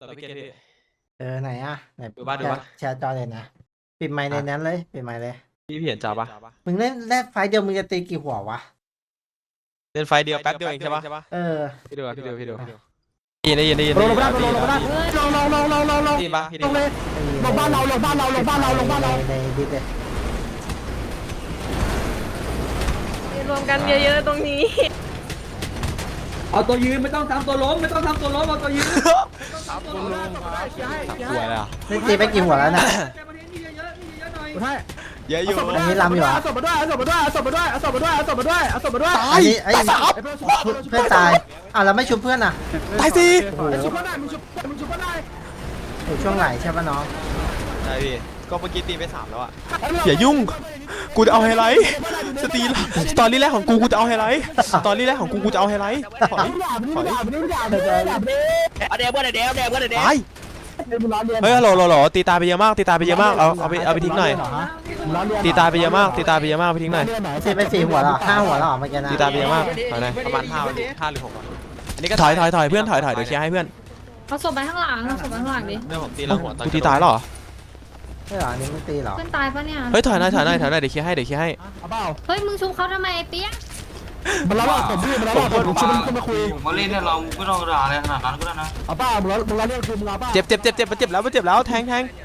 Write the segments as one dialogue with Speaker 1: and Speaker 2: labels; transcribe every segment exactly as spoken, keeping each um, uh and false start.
Speaker 1: เราไปเก็ตพี่
Speaker 2: เออไหนอ่ะไหน
Speaker 1: ดูบ้านดูบ้าน
Speaker 2: แชร์จอเลยนะปิดไมค์ในนั้นเลยปิดไมค์เลย
Speaker 1: พี่พี่เห็นจ่าปะ
Speaker 2: มึงเล่นแรกไฟล์เดียวมึงจะตีกี่หัววะ
Speaker 1: เล่นไฟเดียวแป๊บเดียวเองใช่ปะ
Speaker 2: เออ
Speaker 1: พี่ดูอะพี่ดูพี่ดูได้ยินได้ยินได้ยิน
Speaker 3: ลงลงบ้านลงลงบ้านลงลงลงลงลงลง
Speaker 1: ได้ยินปะพี่
Speaker 3: ล
Speaker 1: ได้
Speaker 3: งเลยลงบ้านเราลงบ้านเราลงบ้านเราลงบ้านเรา
Speaker 2: ในดิสเลย
Speaker 4: รวมกันเยอะๆตรงนี้
Speaker 3: เอาตัวยืนไม่ต้องทำตัวล้มไม่ต้องทำตัวล้มเอาตัวยืน
Speaker 1: กลัวเลยอ่ะ
Speaker 2: นี่ตีไปกี่หัวแล้วน่ะ
Speaker 3: ใช่
Speaker 1: เยอะอยู่
Speaker 2: อันนี้ลำอยู่อ่ะ
Speaker 3: เอาศพมาด้วยเอาศพมาด้วยเอาศพมาด้วยเอาศพมาด้วยเอาศพมาด้วยเอาศพมาด้วย
Speaker 2: อันนี้ไอ้เพื่อนตายอ่ะเราไม่ชุบเพื่อนอ่ะ
Speaker 1: ตายสิ
Speaker 2: โอ้โห
Speaker 3: ชุบก็ได้มึงชุบมึงชุบก็ได้
Speaker 2: อยู่ช่วงไหนใช่ปะน้อง
Speaker 1: ใช่พี่ก็เมื่อกี้ตีไปสามแล้วอ่ะอย่ายุ่งกูจะเอาไฮไลท์สตีสตอรี่แรกของกูกูจะเอาไฮไลท์สตอรี่แรกของกูกูจะเอาไฮไลท์ถอย
Speaker 3: มึงด่ามึงด่ามึงด่ามึงด่ามึงด่ามึง
Speaker 5: เอาเดี๋ยวเพื่อนเดี๋ยวเดี๋ยวเพื่อนเดี๋ยว
Speaker 1: ตาย
Speaker 3: มึงล้อเลียน
Speaker 1: เฮ้ยฮัลโหลฮัลโหลตีตายไปเยอะมากตีตายไปเยอะมากเอาเอาไปเอาไปทิ้งหน่อยตีตายไปเยอะมากตีตายไปเยอะมากไปทิ้งหน่อย
Speaker 2: ตีไปสี่หัวแล้วห้าหัวแล้วเหรอเมื่อกี้นะ
Speaker 1: ตีตายไปเยอะมากถอยหน่อยประมาณห้าห้าหรือหกอันนี้ก็ถอยถอยถอยเพื่อนถอยถอยเดี๋ยวเคลียร์ให้เพื่อน
Speaker 4: เอาศพไปข้างหลังเอาศพไปข้างหลังดิ
Speaker 1: เรื่องผมตีแล้วหัวกูตีตายหรอ
Speaker 2: ใช่เหรออันนี้มึงตีเหรอ
Speaker 4: เพื่อนตายปะเนี่ย
Speaker 1: เฮ้ยถอยหน่อยถอยหน่อยถอยหน่อยเดี๋ยวเคลียร์ให้เดี๋ยวเคลียร์ให้
Speaker 3: เอาเปล่า
Speaker 4: เฮ้ยมึงชุบเขาทำไมไอ้เปี๊ยก
Speaker 3: มันล้อผมพี่มันล้อผมชุบมึงมาคุย
Speaker 5: ผมก็เล่นเนี่ยเราไม่ต้องด่าอะไรขนาดนั้นก็ได้นะ
Speaker 3: เอาเปล่ามึงล้อมึงล้อเลียนคือมึงเอาเปล่า
Speaker 1: เจ็บเจ็บเจ็บเจ็บมันเจ็บแล้วมันเจ็บแล้วแทงแทง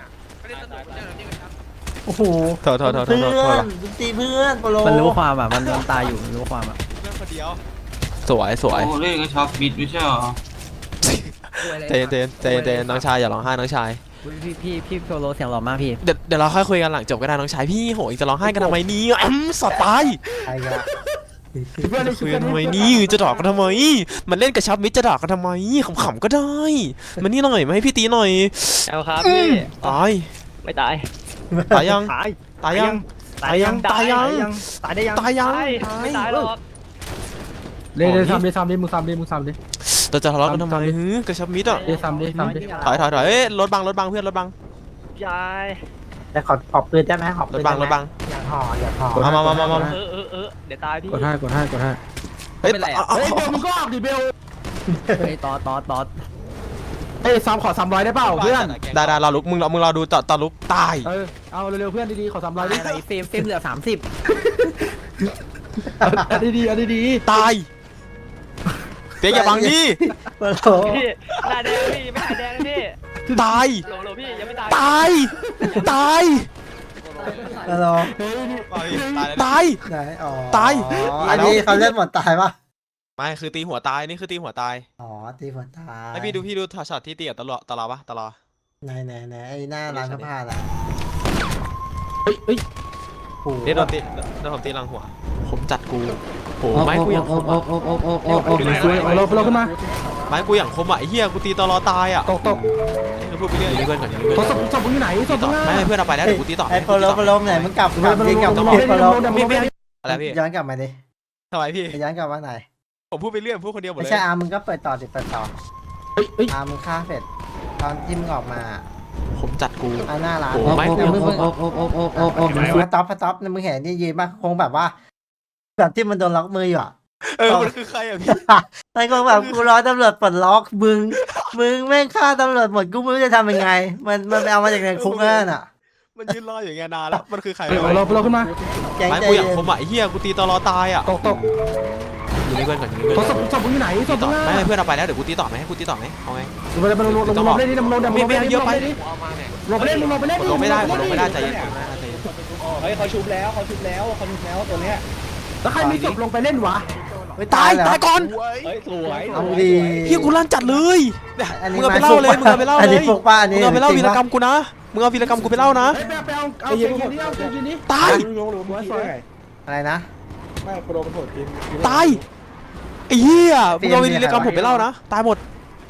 Speaker 2: โอ้โห
Speaker 1: โทษโทษโทษโท
Speaker 2: เพื่
Speaker 1: ษโทษโท
Speaker 2: อ
Speaker 1: ษ
Speaker 2: นตีเพื่อนโปโล
Speaker 6: มันรู้ความอ่ะ มันมันตายอยู่มันรู้ความอ่ะ
Speaker 1: สวยสวย
Speaker 5: โอ้เล่นก็ชอบบิดไม่ใช่เหรอ
Speaker 1: เจนเจนเจนเจนน้องชายอย่าร้องไห้น้องชาย
Speaker 6: พี่พี่พี่โซโลเสียงหล่อมากพี่
Speaker 1: เดี๋ยวเดี๋ยวเราค่อยคุยกันหลังจบก็ได้น้องชายพี่โหยจะร้องไห้กันทำไมนี่อืมสตาย
Speaker 2: ใครกัน
Speaker 3: เพื่อน
Speaker 1: จะคุยกันทำไมนี่จะดอกกันทำไมมันเล่นกับชับมิดจะดอกกันทำไมขำๆก็ได้มันนี่หน่อยมาให้พี่ตีหน่อย
Speaker 6: เอาครับพี่
Speaker 1: ตาย
Speaker 6: ไม่ตาย
Speaker 1: ตายยัง
Speaker 6: ตาย
Speaker 1: ตายยังตายยังตายยัง
Speaker 6: ตายได้ยัง
Speaker 1: ตายยัง
Speaker 6: ไม่ตายหรอก
Speaker 3: เล่นเล่นซ้ำดิซ้ำดิมึงซ้ำดิมึงซ้ำดิ
Speaker 1: เราจะทะเลาะกันทำไมฮึกับชับมิดอ่ะ
Speaker 3: เล่นซ้ำดิซ้ำดิ
Speaker 1: ถอยถอยถอยเอ้ยรถบังรถบังเพื่อนรถบัง
Speaker 6: ยาย
Speaker 2: แต่ขอขอบปืนได้ไหมขอบ
Speaker 1: ร
Speaker 2: ปื
Speaker 1: ถ
Speaker 2: น
Speaker 1: บั
Speaker 2: ได้
Speaker 1: ง
Speaker 2: ไห
Speaker 1: ร
Speaker 2: ม
Speaker 1: ถบัง
Speaker 2: อย่าห่ออย่าห่อ
Speaker 1: มามามามามา
Speaker 6: เออเออเออเดี๋ยวตายพี่
Speaker 3: กดให้กดให้กดให้
Speaker 1: เฮ้ย
Speaker 3: เฮ้ยเบลมึงก็ออกดิเบล
Speaker 6: เฮ้ยตอดตอดตอด
Speaker 3: เฮ้ยซ้ำขอซ้ำร้อยได้เปล่าเพื่อน
Speaker 1: ได้ได้เราลุกมึงเรามึงเราดูต่อต่อลุกตาย
Speaker 3: เออเอาเร็วๆเพื่อนดีๆขอซ้ำร้อยดิ
Speaker 6: อะไรเฟรมเฟรมเหลือสามสิบ
Speaker 3: อันดีๆอันดี
Speaker 1: ตายเปียกอย่าบังดิ
Speaker 2: โปโล
Speaker 6: พี่หน้าแดงพี่ไม่หน้าแดงพี่
Speaker 1: ตาย
Speaker 6: โหลโหลพี่ยังไม่ตาย
Speaker 1: ตายตาย
Speaker 2: โปโล
Speaker 1: ตาย
Speaker 2: ไหนอ๋อ
Speaker 1: ตาย
Speaker 2: อันนี้เขาเล่นหมดตายปะ
Speaker 1: ไม่คือตีหัวตายนี่คือตีหัวตาย
Speaker 2: อ๋อตีหมดตาย
Speaker 1: ให้พี่ดูพี่ดูช็อตที่ตีกับตลอดตลอดปะตลอด
Speaker 2: ไหนไหนไหนไอ้หน้าร้านเสื้อผ้าล่ะ
Speaker 3: เฮ้ยเฮ้ย
Speaker 2: โอ้โห
Speaker 1: นี่โดนตีโดนผมตีหลังหัวผมจัดกูโหไม้กูอย่างคม
Speaker 3: โอ้
Speaker 1: อะ
Speaker 3: โอ้โอ้โอ้โอ้โอ้เอาเราเราขึ้นมา
Speaker 1: ไม้กูอย่างคมอะไอ้เหี้ยกูตีตลอดตายอะ
Speaker 3: ตกตก
Speaker 1: พูดไปเรื่อยเพื่อนก่อน
Speaker 3: โทรศัพท์ศพมึงอยู่ไหนศ
Speaker 1: ตี
Speaker 3: พ
Speaker 1: ต่อ
Speaker 3: มึง
Speaker 1: ไม่ให้เพื่อนเอาไปแล้วเดี๋ยวกูตีต่อ
Speaker 2: ไอ้โปโลโปโลไหนมึงกลับกลับ
Speaker 3: ไม่
Speaker 2: ดิกลับ
Speaker 3: ไม่
Speaker 2: มา
Speaker 3: ไม่
Speaker 2: โปโล
Speaker 3: ไม่ไม่
Speaker 1: อะไรพี่
Speaker 2: ย้อนกลับมาดิ
Speaker 1: ทำไมพี่
Speaker 2: ย้อนกลับมาไหน
Speaker 1: ผมพูดไปเรื่อยพูดคนเดียวหมด
Speaker 2: ไม่
Speaker 1: เลย
Speaker 2: ใช่อามึงก็เปิดต่อดิเปิดต่อ
Speaker 3: เฮ้ยเฮ้ย
Speaker 2: อามึงฆ่าเสร็จตอนที่มึงออกมา
Speaker 1: ผมจัดกู
Speaker 2: อาหน้าร้าน
Speaker 1: โอ้ไม่
Speaker 2: มึงมึงมึง
Speaker 3: โอ้โอ้โอ้โอ้โอ้โอ้
Speaker 2: พะต๊อปพะต๊อปมึงเห็นนี่ยืนมาคงแบบว่าแบบที่มันโดนล็อกมืออยู่อ่ะ
Speaker 1: เออมันคือใครอะพี่
Speaker 2: ไอ้คงแบบกูรอตำรวจปลดล็อกมึงมึงแม่งฆ่าตำรวจหมดกูไม่รู้จะทำยังไง มันมันไปเอามาจากในคุกนั่นอ่ะ
Speaker 1: มันยืนรออยู่ไงนานแล้วมันคือใคร
Speaker 3: เราเราขึ้นมา
Speaker 2: แจ้ง
Speaker 1: ไม้
Speaker 2: ใจ
Speaker 1: กูอย่าง
Speaker 2: เย็น
Speaker 1: คมอะไอ้เหี้ยกูตีตลอดตายอะ
Speaker 3: ตกตก
Speaker 1: อยู่ในเพื่อนก่อนอยู่ใน
Speaker 3: โท
Speaker 1: เพื่
Speaker 3: ร
Speaker 1: อน
Speaker 3: ศัพท์ศพมึงอยู่ไหนศ
Speaker 1: ตี
Speaker 3: พ
Speaker 1: ต่อ
Speaker 3: มึง
Speaker 1: ไม่ให้เพื่อนเอาไปแล้วเดี๋ยวกูตีต่อไหมให้กูตีต่อไหมเอาไง
Speaker 3: มึงไปลงลงลงเล่นดิมึงลงเดี๋ยวมึงลงเล่นดิลงไปเล่นดิลงไปเล่นมึงลงไปเล่น
Speaker 1: กดลงไม่ได้กดลงไม่ได้ใจเย็นกดไม่ได้ใจเย็น
Speaker 7: เฮ้ยเขาชุบแล้วเขาชุบแล้วเขาชุบแล้วตัวเนี้ย
Speaker 3: แล้วใครมีศพลงไปเล่นวะ
Speaker 2: เฮ้
Speaker 1: ตาย
Speaker 2: แล้ว
Speaker 1: ตายก่อน
Speaker 7: เฮ้ยสวย
Speaker 2: เอาดี
Speaker 1: เฮียกูลั่นจัดเลย
Speaker 2: อันนี้
Speaker 1: มึงเอาไปเล่าเลยมึงเอาไปเล่า
Speaker 2: อัน
Speaker 1: เล
Speaker 2: นี้
Speaker 1: ย
Speaker 2: ฟุกป้าอัน
Speaker 1: มึ
Speaker 2: นี้
Speaker 1: งเอาไปเล่าวีรกรร
Speaker 2: ม
Speaker 1: มกูนะมึงเอาวีรกรรมกูไปเล่านะ
Speaker 3: ไปไปเอาเอาเกมนี้เอาเกมนี้
Speaker 1: ตาย
Speaker 7: ลุงลุงลุงพี่ได้ไง
Speaker 2: อะไรนะ
Speaker 7: ไม่โปรมันโหดจริง
Speaker 1: ตายไอ้เหี้ยมึงเอาวีรกรรมผมไปเล่านะตายหมด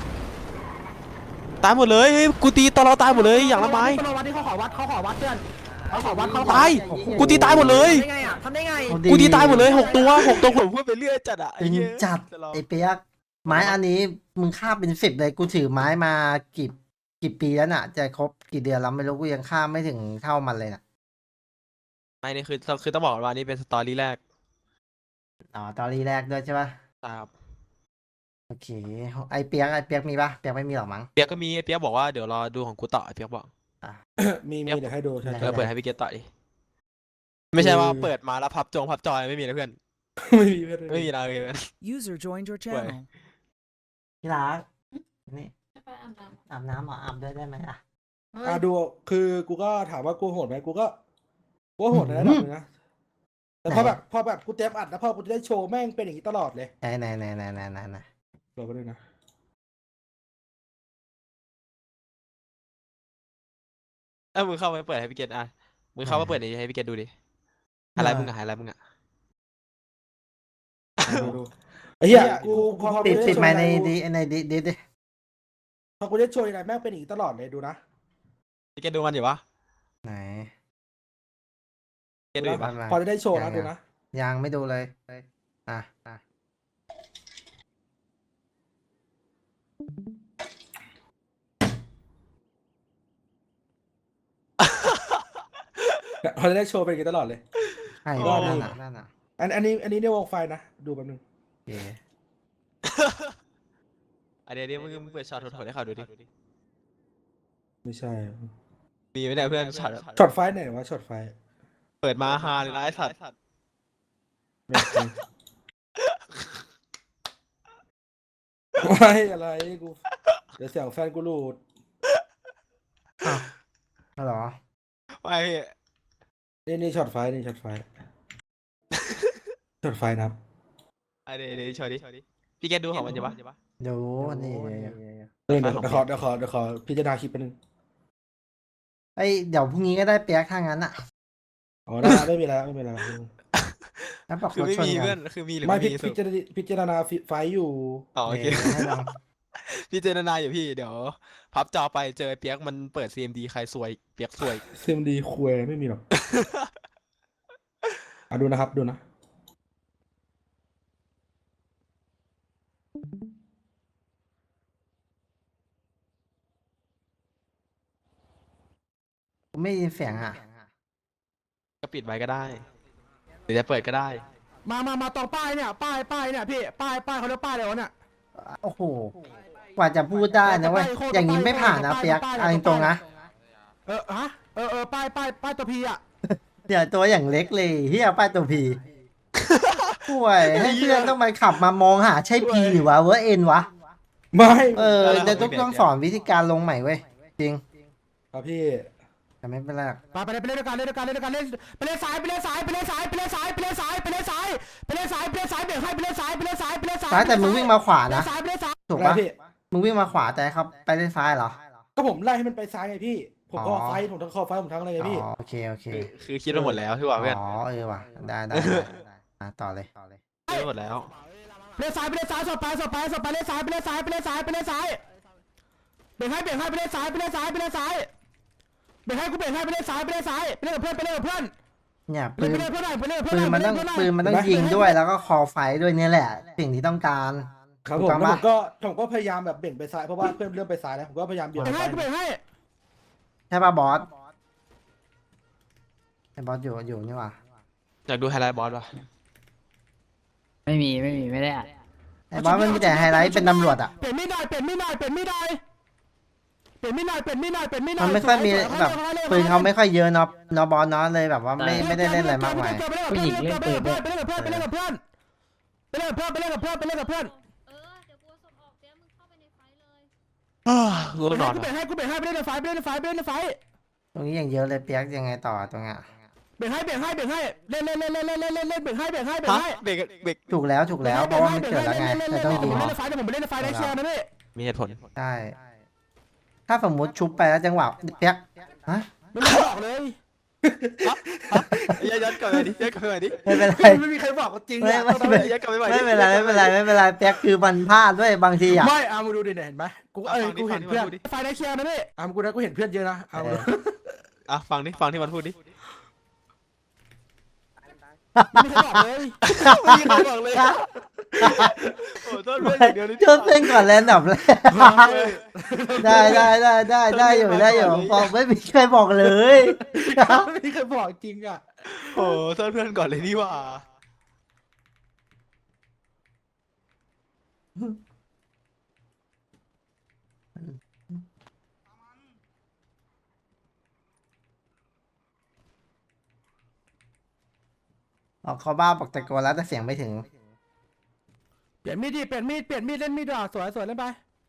Speaker 1: ตายหมดเลยกูตีตลอดตายหมดเลยอย่างละไม้
Speaker 3: เขาวัดที่เขาขอวัดเขาขอวัดเพื่อนเขาขอวัดเขา
Speaker 1: ตายกูตีตายหมดเลย
Speaker 6: ได้ไงอ่ะทำได้ไง
Speaker 2: เอา
Speaker 1: กูตีตายหมดเลยหกตัวหกตัวผมพูดไปเรื่อยจัดอะไอ้
Speaker 2: จริง
Speaker 1: เหี้ย
Speaker 2: จัดไอ้เปียกไม้อันนี้มึงฆ่าเป็นสิบเลยกูถือไม้มากี่กี่ปีแล้วน่ะ จะครบกี่เดือนแล้วไม่รู้กูยังฆ่าไม่ถึงเท่ามันเลยน่ะ
Speaker 1: ไม่นี่คือคือต้องบอกว่านี่เป็นสตอรี่แรก
Speaker 2: อ๋อตอรี่แรกด้วยใช่ปะ
Speaker 1: ครับ
Speaker 2: โอเคไอเปียกไอเปียกมีปะเปียกไม่มีหรอกมั้ง
Speaker 1: เปียกก็มีเปียกบอกว่าเดี๋ยวรอดูของกูต่อไอ้เปียกบอก
Speaker 7: มีมีเดี๋ยวให้ดูใช่
Speaker 2: ได้
Speaker 1: เออเปิดให้พี่เกตต่อดิไม่ใช่ว่าเปิดมาแล้วพับจงพับจอยไม่มีนะเพื่อน
Speaker 7: ไม่มีเพื่อน
Speaker 1: ไม่มีนะเลยเพื่อน
Speaker 8: User joined your
Speaker 1: Wait.
Speaker 8: channel.
Speaker 2: พี่รักนี่อาบน้ำเหรออาบด้วยได้ไหมอ่ะ
Speaker 7: อ่ะดูคือกูก็ถามว่ากูโหดไหมกูก็กูก็โหดในระดับหนึงนะแต่พอแบบพอแบบกูเต็มอัดแล้วพอกูจะได้โชว์แม่งเป็นอย่างนี้ตลอดเลย
Speaker 2: ไหนไหนไหนไหนไหนไหนไหน
Speaker 7: รอไปด้วยนะ
Speaker 1: เออมึงเข้าไปเปิดให้พี่เกตอ่ะมึงเข้ามาเปิดให้พี่เกตดูดิอะไรมึงอะอะไรมึงอะ
Speaker 7: ดูดูไอ้เหี้ยกูกูพอ
Speaker 2: ติด
Speaker 7: กู
Speaker 2: ติด
Speaker 7: โชว์
Speaker 2: ไหมใน
Speaker 7: กู
Speaker 2: ดีในดีดีดิ
Speaker 7: พอกูได้โชว์อะไรแม่งเป็นอย่างนี้ตลอดเลยดูนะ
Speaker 1: พี่เกตดูมันอยู่ปะ
Speaker 2: ไหน
Speaker 1: พี่เกตดูอยู่ปะ
Speaker 7: พอจะได้โชว์นะดูนะ
Speaker 2: ยังไม่ดูเลยอ่ะอ่ะ
Speaker 7: พอจะได้โชว์เป็นอย่างนี้ตลอดเลย
Speaker 2: ใช่
Speaker 7: ก็
Speaker 2: นั่
Speaker 7: ดี
Speaker 2: นน่ะนั่นน่ะ
Speaker 7: อันอันนี้อันนี้ในวงไฟนะดูแป๊บนึง
Speaker 2: โอเค
Speaker 1: อันเดี๋ยวเดี๋ยวมึงมึงเปิดช็อตโถๆให้เขาดูดิ
Speaker 7: ไม่ใช่
Speaker 1: มีไหมเนี่ยเพื่อนช็อต
Speaker 7: ช็อตไฟไหนวะช็อตไฟ
Speaker 1: เปิดมาฮาเลยนะไอ้สัตว์
Speaker 7: ไม่ใช่ไม่อะไรกูเดี๋ยวเสียงแฟนกูหลุด
Speaker 2: อ้าวอ๋อเหรอ
Speaker 1: ไม่พี่
Speaker 7: นี่นี่ช็อตไฟนี่ช็อตไฟช็อตไฟนะครับ
Speaker 1: อันเดี๋ยวเดี๋ยวโชว์ดิพี่เกตดูของมันอยู่ปะ
Speaker 2: ดูนี่
Speaker 7: เออเดี๋ยวเดี๋ยวขอเดี๋ยวขอเดี๋ยวขอพิจารณาคลิปแป๊บนึง
Speaker 2: ไอยเดี๋ยวพรุ่งนี้ก็ได้เปียกถ้างั้นอ่ะ
Speaker 7: อ๋อได้ไม่มีแล้วไม่มีแล้ว
Speaker 2: แล้วบอก
Speaker 1: คือ
Speaker 2: รถ
Speaker 1: ไม่
Speaker 2: ชน
Speaker 1: มี
Speaker 2: กั
Speaker 1: เพื่อน นคือมีหรือ
Speaker 7: ไม่
Speaker 1: ไม่
Speaker 7: พิ
Speaker 1: มี
Speaker 7: พิจารณาพิจารณาไฟอยู่
Speaker 1: อ๋อโอเค
Speaker 2: เออให้ลอง
Speaker 1: พี่เจารณาอยู่พี่เดี๋ยวพับจอไปเจอเปียกมันเปิด ซี เอ็ม ดี ใครซวยเปียกซวย
Speaker 7: เซมดีคุยไม่มีหรอกอ่ะดูนะครับดูนะ
Speaker 2: ไม่ได้ยินเสียงอ่ะ
Speaker 1: ก็ปิดไว้ก็ได้หรือจะเปิดก็ได้
Speaker 7: มามามาตรงป้ายเนี่ยป้ายป้ายเนี่ยพี่ป้ายป้ายเขาเรียกป้ายอะไรวะเนี่ย
Speaker 2: โอ้โหกว่าจะพูดได้นะเว้ยอย่างนี้ไม่ผ่านนะเปียกเอันตรงๆนะ
Speaker 7: เออฮะเออเออป้ายป้ายป้ายตัวพีอ่ะ
Speaker 2: เดี๋ยวตัวอย่างเล็กเลยเฮียป้ายตัวพีป่วยให้เพื่อนต้องมาขับมามองหาใช่พีหรือวะเวอร์เอ็นวะ
Speaker 7: ไม่
Speaker 2: เออจะต้องต้องสอนวิธีการลงใหม่เว้ยจริง
Speaker 7: ครับพี่
Speaker 2: แต่ไม่เป็นไรหรอก
Speaker 7: ไปไปไปเล่นด้วยกันเล่นด้วยกันเล่นด้วยกันเล่นไปเล่นสายไปเล่นสายไปเล่นสายไปเล่นสายไปเล่นสายไปเล่นสายไปเล่นสายไปเล่นสายเบรกให้ไปเล่นสายไปเล่นสายไปเล่นสาย
Speaker 2: ซ้ายแต่มึงวิ่งมาขวานะ
Speaker 7: สายไปเล่นสาย
Speaker 2: ถูกปะมึงวิ่งมาขวาแต่เขาไปเล่นซ้ายเหรอ
Speaker 7: ก็ผมไล่ให้มันไปซ้ายไงพี่ ผม
Speaker 2: อ๋
Speaker 7: ก็
Speaker 2: อ
Speaker 7: ไฟผมทั้งคอไฟผมทั้งอะไรไงพี่
Speaker 2: อ๋อโอเคโอเค
Speaker 1: คือคิดมาหมดแล้วพี่ว่าเพื่อน
Speaker 2: อ๋อเออว่ะได้ได้ได้ได้อ่ะต่อเลยต่อเลย
Speaker 1: คิดมาหมดแล้ว
Speaker 7: เล่นสายไปเล่นสายสบไปสบไปสบไปเล่นสายไปเล่นสายไปเล่นสายไปเล่นสายเบรกให้เบรกให้ไปเล่นสายไปเล่นสายไปเล่นสายเบรกให้กูเบรกให้ไปเล่นสายไปเล่นสายไปเล่นกับเพื่อนไปเล่นกับเพื่อน
Speaker 2: เนี่ย
Speaker 7: ไป
Speaker 2: ปืน
Speaker 7: เล่นเพื่อนหน่อยไปเล่นเพื่อน
Speaker 2: ปืนมันต้องปืนมันต้องยิงด้วยแล้วก็คอไฟด้วยเนี่ยแหละ สิ่งที่ต้องการ
Speaker 7: ครับ
Speaker 2: ถู
Speaker 7: ผ
Speaker 2: ก
Speaker 7: ม
Speaker 2: ต้อง
Speaker 7: แล้ว
Speaker 2: ปะ
Speaker 7: ผมก็ผมก็พยายามแบบเบ่งไปซ้ายเพราะว่าเพื่อนเริ่มไปซ้ายแล้วผมก็พยายามเบี่ยง
Speaker 3: เบรกให้
Speaker 7: ซ้าย
Speaker 3: กูเบรกให้
Speaker 2: ใช่ป่ะบอสไอ้บอสอยู่อยู่นี่หว่า
Speaker 1: อยากดูไฮไลท์บอสป่ะ
Speaker 6: ไม่มีไม่มีไม่ได้อัด
Speaker 2: ไอ้บอสมันมีแต่ไฮไลท์เป็นตำรวจอ่ะ
Speaker 7: เปลี่ยนมีดหน่อยเปลี่ยนมีดหน่อยเปลี่ยนมีดหน่อยเปลี่ยนมีดหน่อยเปลี่ยนมีดหน่อยเปลี่ยนมีดหน่
Speaker 2: มั
Speaker 7: อย
Speaker 2: นไม่ค่อยมีแบบปืนเขาไม่ค่อยเยอะเนาะเนาะบอสเนาะเลยแบบว่าไม่ไม่ได้เล่นอะไรมากมาย
Speaker 6: ผู้หญิงเล่นปืนด้วย
Speaker 7: ไปเล่นกับเพื่อนไปเล่นกับเพื่อนไปเล่นกับเพื่อนไปเล่นกับเพื่อนไปเล่นกับเพื่อน
Speaker 4: เออเดี๋ยวกูส่งออกเดี๋ยวมึงเข้าไปในไฟเลย
Speaker 1: กูต้องนอน
Speaker 7: กูเบรกให้กูเบรกให้ไปเล่นในไฟไปเล่นในไฟไปเล่นในไฟ
Speaker 2: ตรงนี้อย่างเยอะเลยเปียกยังไงต่อตรงเนี้ย
Speaker 7: เบรกให้เบรกให้เบรกให้เล่นเล่นเล่นเล่นเล่นเล่นเล่นเล่นเบรกให้เบรกให้เบรก
Speaker 1: ฮะ
Speaker 7: ให้
Speaker 1: เบรกเบรก
Speaker 2: ถูกแล้วถูกแล้วเพราะว่ามันเกิดแล้วไงแต่ต้องยิง
Speaker 7: ผมเล่นในไฟแต่ผมไปเล่นในไฟได้เชียร์นะพี่
Speaker 1: มีเหตุผล
Speaker 2: ใช่ถ้าสมมุติชุบไปแล้วจังหวะเปียกฮะ
Speaker 7: ไม่มีบอกเลย
Speaker 1: ย้อนย้อนกลับไปดิย้อนกลับไปดิ
Speaker 2: ไม่เป็นไร
Speaker 7: ไม่มีใครบอกจริง
Speaker 2: ไม่ไม่ไม่
Speaker 1: ย้อนกลับไปใหม่
Speaker 2: ไม่เป็นไรไม่เป็นไรไม่เป็นไรเปียกคือมันพลาดด้วยบางทีอ่ะ
Speaker 7: ไม่เอามาดูดิเห็นไหมกูเอ้ยกูเห็นเพื่อนไฟได้เชียร์นะพี่เอากูนะกูเห็นเพื่อนเยอะนะเอา
Speaker 1: อ่ะฟังดิฟังที่มันพูดดิ
Speaker 7: ไม่มีใครบอกเลย
Speaker 1: ไม่มีใครบอกเลยโอ้ต้นเพื่อนอย่างเดียวนี่
Speaker 2: ชดเส้นก่อนแล้วดับแรกได้ได้ได้ได้ได้อยู่ได้อยู่บอกไม่มีใครบอกเลย
Speaker 7: ไม่มีใครบอกจริงอ่ะ
Speaker 1: โอ้ต้นเพื่อนก่อนเลยนี่ว่า
Speaker 2: อ๋อเขาบ้าบอกตะโกนแล้วแต่เสียงไม่ถึง
Speaker 7: เปลี่ยนมีดดิเปลี่ยนมีดเปลี่ยนมีดเล่นมีดดีกว่าสวยสวยเล่นไป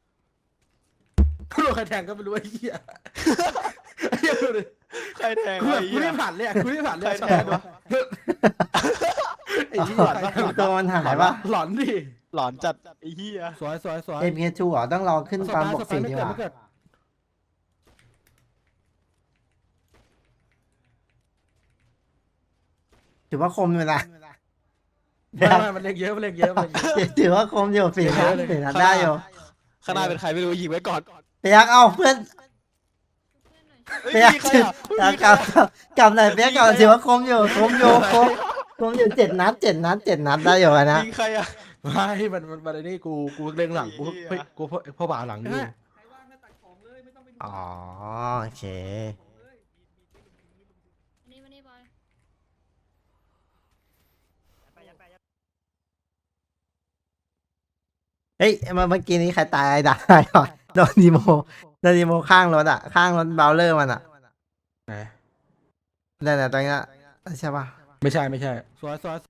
Speaker 7: โดนใครแทงก็ไม่รู้ไอ้เหี้ยไอ้เหี้ยดูดิ
Speaker 1: ใครแทง
Speaker 7: กู
Speaker 1: วะ
Speaker 7: แบบ
Speaker 1: ไอ้
Speaker 7: กู
Speaker 1: เหี้ย
Speaker 7: ไม่ผ่านเลยอะกูไม่ผ่านเลย
Speaker 1: ใคร
Speaker 7: อะ
Speaker 1: แทงวะ
Speaker 7: ไอ้เหี้ย
Speaker 2: ตัวมันหายปะ
Speaker 7: หลอนดิ
Speaker 1: หลอนจัดไอ้เหี้ย
Speaker 7: สวยสวยสวย
Speaker 2: เอ็มเคทูเหรอต้องรอขึ้นตอนบวกสี่
Speaker 7: ไม่
Speaker 2: ดีก
Speaker 7: เกิด
Speaker 2: ว่า
Speaker 7: ไม่เกิด
Speaker 2: ถือว่าคมอยู่นะ
Speaker 7: ไม่ไม่มันเล็กเยอะมันเล็กเยอะมันเล็กเยอะ
Speaker 2: ถือว่าคมอยู่สี่นัดสี่นัดได้อยู่
Speaker 1: ข้างหน้าเป็นใครไม่รู้ยิงไว้ก่อน
Speaker 2: เปียกเอาเพื่อน
Speaker 1: เฮ้ย
Speaker 2: เปียก
Speaker 1: มีใครอ่ะ
Speaker 2: กลับกลับกลับกลับหน่อยเปียกก่อนถือว่าคมอยู่คมอยู่คมคมอยู่เจ็ดนัดเจ็ดนัดเจ็ดนัดได้อยู่นะ
Speaker 1: ยิงใครอ่ะ
Speaker 7: ไม่มันมันมันไอ้นี่กูกูเล็งหลังกู
Speaker 1: ไอ้เหี้ย
Speaker 7: กูพ่อพ่อบ่าหลังอยู่
Speaker 3: ใครว่างก็ตัดของเลยไม่ต้องเป็น
Speaker 2: อ๋อโอเค
Speaker 4: อันนี้มานี่บอย
Speaker 2: เฮ้ยเมื่อเมื่อกี้นี้ใครตายด่าใครก่อนโดนดีโมโดนดีโมข้างรถอ่ะข้างรถเบลเลอร์มันอ่ะ
Speaker 7: ไหน
Speaker 2: นั่นแหละตรงนี้นใช่ปะ
Speaker 7: ไม่ใช่ไม่ใช่สวยสวย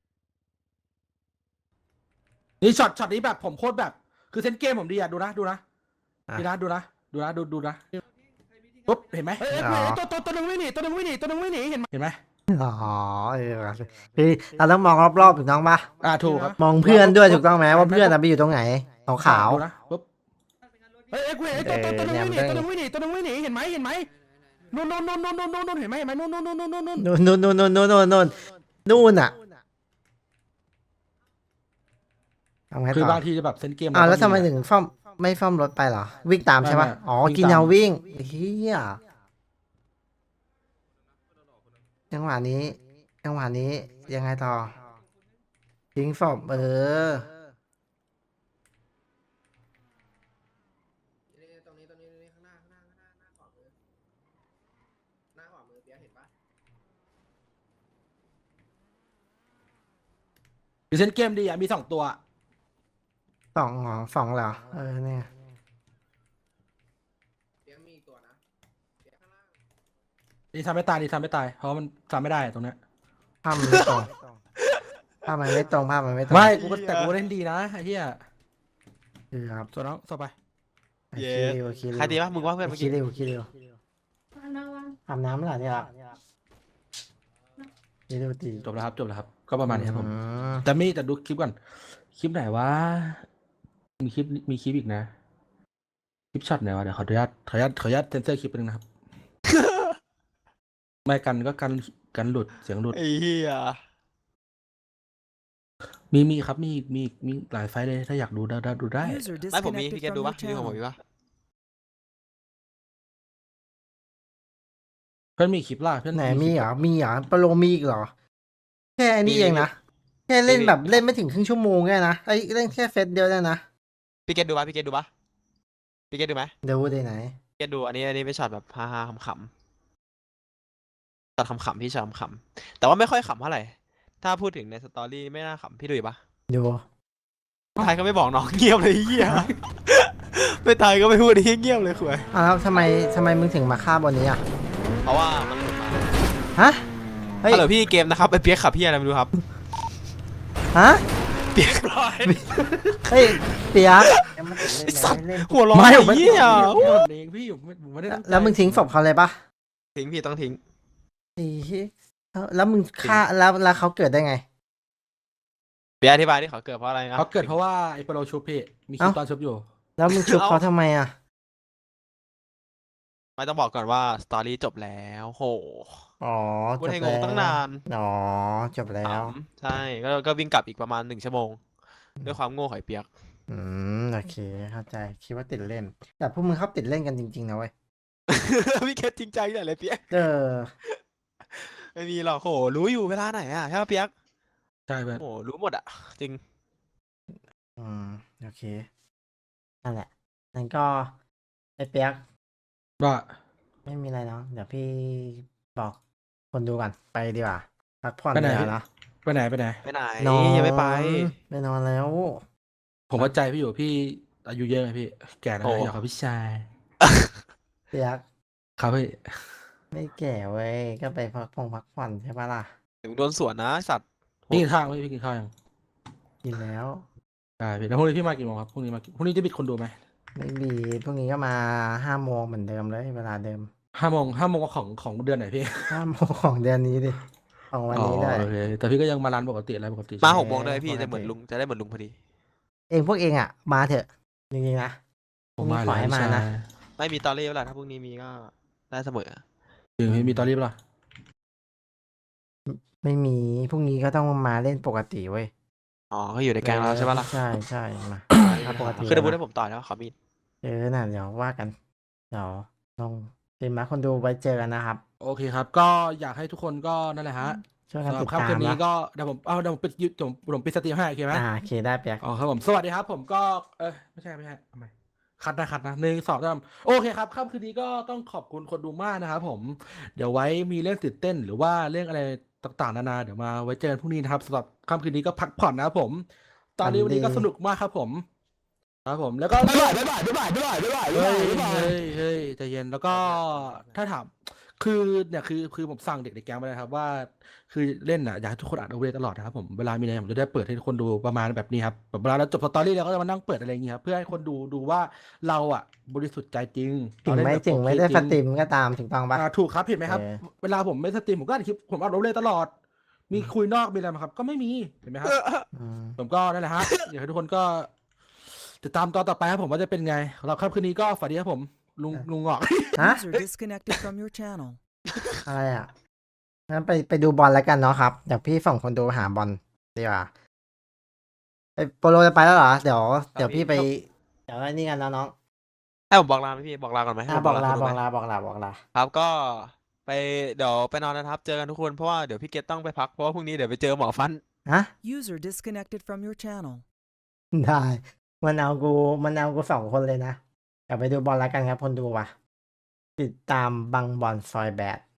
Speaker 7: นี่ช็อตช็อตนี้แบบผมโคตรแบบ คือเซนเกมผมดีอะดูนะดูนะดูนะดูนะดูนะดูดูนะปุ๊บเห็นไหม
Speaker 2: เอ้ยเอ้ย
Speaker 7: ตัวตัวตัวนึงวิ่งหนีตัวนึงวิ่งหนีตัวนึงวิ่งหนีเห็นไหมเห็นไหม
Speaker 2: อ๋อเออว่ะพี่เราต้องมองรอบๆถูกต้องปะ
Speaker 7: อ่าถูกครับ
Speaker 2: มองเพื่อนด้วยถูกต้องไหมว่าเพื่อนอะไปอยู่ตรงไหนขาวขาว
Speaker 7: ดูนะปุ๊บเอ้ยเอ้ยกูเห็นไอ้ตัวตัวตัวนึงวิ่งหนีตัวนึงวิ่งหนีตัวนึงวิ่งหนีเห็นไหมเห็นไหมนู่นนู่นนู่นนู่นนู่นนู่นเห็นไหมเห็นไหมนู่นนู่นนู่นนู่นนู่น
Speaker 2: นู่นนู่นนู่นนู่นนู่นนู่นนู่นอ่ะทำไง
Speaker 7: คือ
Speaker 2: ต่อบ
Speaker 7: างทีจะแบบเซนเกม
Speaker 2: อ้าวแล้วทำไมถึงซ่อมไม่ซ่อมรถไปเหรอวิ่งตามใช่ปะอ๋อกินแนววิ่งเฮียจังหวะนี้จังหวะนี้ยังไงต่อทิ้งศพเออ
Speaker 8: ตรงนี้ตรงนี้ตรงนี้ข้างหน้าข้างหน้าข้างหน้าหน้าขวามือหน้าขวามือเปียเห็นปะ
Speaker 7: คือเซนเกมดีอะมีสองตัว
Speaker 2: สองเหรอสองเหรอเออเนี่ย
Speaker 8: เปียมีอีกตัวนะเปียข้างล่าง
Speaker 7: นี่ทำไม่ตายนี่ทำไม่ตายเพราะมันทำไม่ได้ตรงเนี้ย
Speaker 2: ภาพมันไม่ตรงภาพมันไม่ตรงภาพมันไม่ตรง
Speaker 7: ไม่กูก็แต่กูเล่นดีนะไอ้เหี้ย
Speaker 2: คือครับ
Speaker 7: ส่วนน้องต่อไป
Speaker 1: เย้
Speaker 2: คิริวคิริว
Speaker 1: ใครดีวะมึงว่าเพื่อนเมื่อ
Speaker 2: คิ
Speaker 1: กี้
Speaker 2: ริวคิริว
Speaker 4: วางนะวาง
Speaker 2: อาบน้ำเหรอเนี่ยคิริวตี
Speaker 7: จบแล้วครับจบแล้วครับ ก็ประมาณนี้ครับผม
Speaker 2: อืม
Speaker 7: แต่มีแต่ดูคลิปก่อนคลิปไหนวะมีคลิปมีคลิปอีกนะคลิปช็อตไหนวะเดี๋ยวขออนุญาตขออนุญาตขออนุญาตเซนเซอร์คลิปนึงนะครับ ไม่กันก็กันกันหลุดเสียงหลุด
Speaker 1: ไอ้เหี้ย
Speaker 7: มีมีครับมีมีมีหลายไฟล์เลยถ้าอยากดูได้ได้ดูได้
Speaker 1: ไม่ผมมีพี่แกดูปะมีของผมมีปะ
Speaker 7: เพื่อนมีคลิปล่ะเพื่อน
Speaker 2: ไหน
Speaker 7: ค
Speaker 2: มี
Speaker 7: ลิป
Speaker 2: เหรอมีเหรอปโลมีอีกเหรอแค่อันนี้เองนะแค่เล่นแบบเล่นไม่ถึงครึ่งชั่วโมงแค่นะไอ้ยเล่นแค่เฟสเดียวเนี่ยนะ
Speaker 1: พี่แกดูปะพี่แกดูปะพี่แกดูไหม
Speaker 2: เดี๋ยวได้ไหน
Speaker 1: พี่แกดูอันนี้อันนี้เป็นช็อตแบบฮ่าฮ่าขำขำช็อตขำขำพี่ช็อตขำขำแต่ว่าไม่ค่อยขำเท่าไหร่ถ้าพูดถึงในสตอรี่ไม่น่าขำพี่ดูอยู่ปะ
Speaker 2: ดู
Speaker 1: ไทยก็ไม่บอกน้องเงียบเลยไอ้เหี้ยไม่ไทยก็ไม่พูดไอ้เหี้ยเงียบเลยคุย
Speaker 2: อ้าวแล้วทำไมทำไมมึงถึงมาฆ่าบนนี้อ่ะ
Speaker 1: เพราะว่ามันหลุดมา
Speaker 2: ฮะเฮ้ย
Speaker 1: ฮัลโหลพี่เกมนะครับไอ้เปียกขับพี่อะไรไม่รู้ครับ
Speaker 2: ฮะ
Speaker 1: เปียกร้อย
Speaker 2: เฮ้ยเปียก
Speaker 1: ไอ้สัตว์หัวร้อน
Speaker 7: ไม่
Speaker 1: ไอ้
Speaker 7: ผมไม่
Speaker 1: เหี้ย
Speaker 7: ผมเองพี่ผมไม่ผมไม่ได้ตั้งใจ
Speaker 2: แล้วมึงทิ้งศพเขาเลยปะ
Speaker 1: ทิ้งพี่ต้องทิ้ง
Speaker 2: ไอ้เหี้ยแล้วแล้วมึงฆ่าแล้วแล้วเขาเกิดได้ไง
Speaker 1: เปียกอธิบายที่เขาเกิดเพราะอะไรนะ
Speaker 7: เขาเกิดเพราะว่าไอ้โปรชุบพี่มีคลิป
Speaker 2: เอ้า
Speaker 7: ตอนชุบอยู่
Speaker 2: แล้วมึงชุบเขาทำไมอ่ะ
Speaker 1: ไม่ต้องบอกก่อนว่าสตอรี่จบแล้วโห
Speaker 2: อ๋อ
Speaker 1: พูด
Speaker 2: จบ
Speaker 1: ให้ง
Speaker 2: แล้
Speaker 1: ง
Speaker 2: ว
Speaker 1: ตั้งนาน
Speaker 2: อ๋อจบแล้ว
Speaker 1: ขำใช่ก็ก็วิ่งกลับอีกประมาณหนึ่งชั่วโมง ด้วยความโง่หอยเปียก
Speaker 2: อืมโอเคเข้าใจคิดว่าติดเล่น แต่พวกมึงชอบติดเล่นกันจริงๆนะเว้ย
Speaker 1: พี่แคทจริงใจเนี่ยเลยเปียก
Speaker 2: เออ
Speaker 1: ไม่มีหรอกโหรู้อยู่เวลาไหนอ่ะใช่ปะเปียก
Speaker 7: ใช่เพื่อน
Speaker 1: โหรู้หมดอ่ะจริง
Speaker 2: อืมโอเคนั่นแหละนั่นก็ไอ้เปียก
Speaker 7: ว่า
Speaker 2: ไม่มีอะไรเนาะเดี๋ยวพี่บอกคนดูก่อนไปดีกว่าพักผ่อน
Speaker 7: ไปไหน
Speaker 2: แล้วนะ
Speaker 7: ไปไหนไปไหน
Speaker 1: ไปไหน
Speaker 2: นอน
Speaker 1: ยังไม่ไป
Speaker 2: ไปนอนแล้ว
Speaker 7: ผมเข้าใจพี่อยู่พี่อายุเยอะไงพี่ แก่แล้ว
Speaker 1: โอ้
Speaker 7: นะอยากกับพี่ชาย
Speaker 2: เปียก
Speaker 7: ครับพี่
Speaker 2: ไม่แก่เว้ยก็ไปพักผ่อนพักผ่อนใช่ปะล่ะ
Speaker 1: เดี๋ยวมึงโดนสวนนะสัตว์
Speaker 7: พี่กินข้าวไหมพี่กินข้าวยัง
Speaker 2: กินแล้ว
Speaker 7: ได้พี่แล้วพรุ่งนี้พี่มากี่โมงครับพรุ่งนี้มากี่พรุ่งนี้จะบิดคนดูไหม
Speaker 2: ไม่มีพรุ่งนี้ก็มาห้าโมงเหมือนเดิมเลยเวลาเดิม
Speaker 7: ห้าโมงห้าโมงของของเดือนไหนพี่
Speaker 2: ห้าโมงของเดือนนี้ดิของวันนี้ด้วย
Speaker 7: อ๋อโอเคแต่พี่ก็ยังมาร้านปกติอะไรปกติ
Speaker 1: มา
Speaker 7: ใช่ไห
Speaker 1: หกโมงได้พี่
Speaker 2: ปกติ
Speaker 1: จะเหมือนลุงจะได้เหมือนลุงพอดี
Speaker 2: เองพวกเองอ่ะ มาเถอะจริงๆนะพ
Speaker 7: ผ
Speaker 2: รุ่
Speaker 7: ม
Speaker 2: งนี้
Speaker 7: มา
Speaker 2: ขอให้
Speaker 7: แล้ว
Speaker 2: มา
Speaker 7: ใช่
Speaker 2: นะ
Speaker 1: ไม่มีตอรี่เวลาถ้าพรุ่งนี้มีก็ได้เสมอ
Speaker 7: จริงพี่มีตอรี่ปะล่ะ
Speaker 2: ไม่มีพรุ่งนี้ก็ต้องมาเล่นปกติเว้ย
Speaker 1: อ๋อก็อยู่ในแกงเราใช่ปะล่ะ
Speaker 2: ใช่ใช่มาถ้าปกติ
Speaker 1: คือจะพูด
Speaker 2: นะ
Speaker 1: ให้ผมต่อยแล้วขอมีด
Speaker 2: เออน่ะเดี๋ยวว่ากันเดี๋ยวลองติมมาคนดูไว้เจอกันนะครับ
Speaker 7: โอเคครับ ก็อยากให้ทุกคนก็นั่นแหละฮะ
Speaker 2: ช่วยกัน
Speaker 7: สำหรั
Speaker 2: ติ
Speaker 7: บ
Speaker 2: ด
Speaker 7: ค่ำ
Speaker 2: ตาม
Speaker 7: คืนนี้
Speaker 2: นะ
Speaker 7: ก็เดี๋ยวผมเอาเดี๋ยวผมปิดยูผมผมปิดสตรีมให้โอเคไหม
Speaker 2: อ่าโอเคได้เปียก
Speaker 7: อ๋อครับผมสวัสดีครับ ผมก็เออไม่ใช่ไม่ใช่ทำไมคัดนะคัดนะหนึ่งสองสามโอเคครับค่ำคืนนี้ก็ต้องขอบคุณคนดูมากนะครับผมเดี๋ยวไว้มีเรื่องตื่นเต้น หรือว่าเรื่องอะไรต่างๆนานาเดี๋ยวมาไว้เจอกันพรุ่งนี้นะครับสำหรับค่ำคืนนี้ก็พักผ่อนนะครับผม ตอนนี้วันนี้ก็สนุกมากครับผม ครับผมแล้วก็
Speaker 3: บ๊ายบายบ๊ายบายบ๊ายบายบ๊ายบายบ๊ายบาย
Speaker 7: เฮ้ย
Speaker 3: บ๊ายบาย
Speaker 7: เฮ้ยเฮ้ยใจเย็นแล้วก็ถ้าถามคือเนี่ยคือคือผมสั่งเด็กในแก๊งไปเลยครับว่า คือเล่นอ่ะอยากให้ทุกคนอ่านโอเวอร์ตลอดนะครับผมเวลามีอะไรผมจะได้เปิดให้ทุกคนดูประมาณแบบนี้ครับแบบเวลาเราจบสตอรี่เราก็จะมานั่งเปิดอะไรอย่างเงี้ยครับเพื่อให้คนดูดูว่าเราอ่ะบริสุทธิ์ใจจริง
Speaker 2: ถึง
Speaker 7: เราเล่น
Speaker 2: ไม่
Speaker 7: แบบ
Speaker 2: ถึงไม่
Speaker 7: โอเค
Speaker 2: ได้
Speaker 7: จ
Speaker 2: ส
Speaker 7: ริง
Speaker 2: ตรีมก็ตามถูกต้องปะ
Speaker 7: อ่าถูกครับเห็นไหมครับ
Speaker 2: เออ
Speaker 7: เวลาผมไม่สตรีมผมก็อัดคลิปผมอัดโอเวอร์ตลอด มีคุยนอกมีอะไรไหมครับ ก็ไม่มีเห็นไหมครับ
Speaker 2: อืม
Speaker 7: ผมก็นั่นแหละฮะ อยากให้ทุกคนก็ติดตามตอนต่อไปครับผมว่าจะเป็นไงเราครับคืนนี้ก็ฝันดีครับผมลุงลุงหงอก
Speaker 2: ฮะ
Speaker 9: User disconnected from your channel.
Speaker 2: อะไรอ่ะงั้นไปไปดูบอลแล้วกันเนาะครับเดี๋ยวพี่ส่งคนดูหาบอลดีกว่าไอโปโลจะไปแล้วเหรอเดี๋ยวเดี๋ยวพี่ไปเดี๋ยวไอ้นี่กันนะน้อง
Speaker 1: ให้ผมบอกลาไหมพี่บอกลาก่อนไหมให้
Speaker 2: อ่ะ
Speaker 1: ผม
Speaker 2: บอกลา
Speaker 1: คนดู
Speaker 2: บ
Speaker 1: ไห
Speaker 2: อ
Speaker 1: ม
Speaker 2: กลาบอกลาบอกลา
Speaker 1: ครับก็ไปเดี๋ยวไปนอนนะครับ เจอกันทุกคนเพราะว่าเดี๋ยวพี่เกตต้องไปพักเพราะว่าพรุ่งนี้เดี๋ยวไปเจอหมอฟัน
Speaker 2: ฮะ
Speaker 9: User disconnected from your channel.
Speaker 2: ได้มันเอากูมันเอากูสองคนเลยนะเดี๋ยวไปดูบอลแล้วกันครับคนดูว่ะติดตามบังบอลซอยแบด